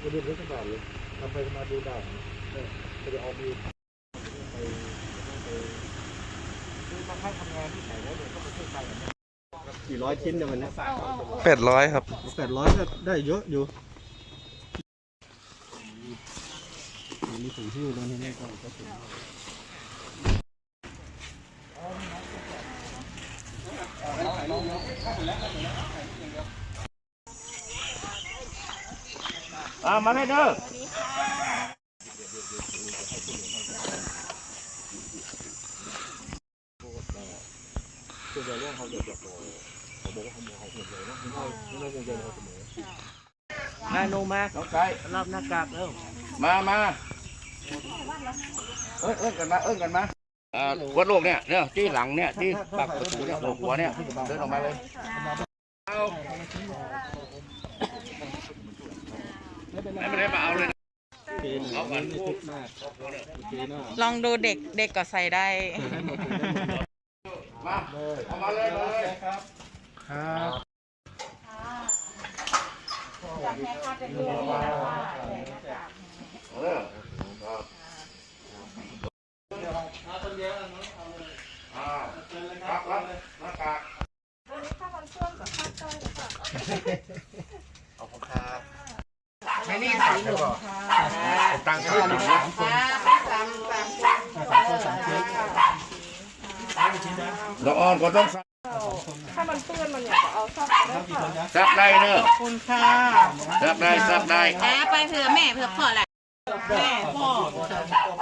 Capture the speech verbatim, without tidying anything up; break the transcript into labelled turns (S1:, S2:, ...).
S1: มาดูเทศกาลเลยทำไปมาดูด่านจะได้ออกดูไปไปคือมาให้ทำงานที่ไหนแล้วเดี๋ยวก็ไปช่วยไปกันกี่ร้อยชิ้นเนี่ยวันนี้
S2: แปดร้อยครับ
S1: แปดร้อยก็ได้เยอะอยู่มีถุงหิ้วตรงนี้ก็ก็ถุงอ่ามาให้เด้อส่วนใหญ่เรื่องเขาเดือดร้อนเขาบอกว่าเขาเขาหมดเลยนะไม่ไม่ไม่คงจะเขาเสมอนายโนมาน้องไก่รับหน้ากากเร็วมามาเอ้ยเอ้ยกันมาเอ้ยกันมาอ่าวัดโลกเนี่ยเนี่ยที่หลังเนี่ยที่ปากประตูเนี่ยหัวเนี่ยเดินออกมาเลยเอาไม่ได้มาเอาเลยเอากัน
S3: ลองดูเด็กเด็กก็ใส่ได้
S1: มาเอามาเลยมาเลยครับครับเออครับมาคนเดียวน้องเอาเลยอ่าครับรับหน้ากากวันนี้ข้าวมันส้มกับข้าวต้มค่ะขอบคุณครับไม่นี่ตังค์หรอตังค์แค่หนึ่งนะสามสามสามสามสามน้องอ้อนก็ต้อง
S4: ถ้ามันเปื้อนมันอยากจะเอาซับได้ค่ะ
S1: ซับได้เนอะ
S4: ขอบคุณค่ะ
S1: ซับได้ซับได้
S3: ไปเผื่อแม่เผื่อพ่อแหละแม่พ่อ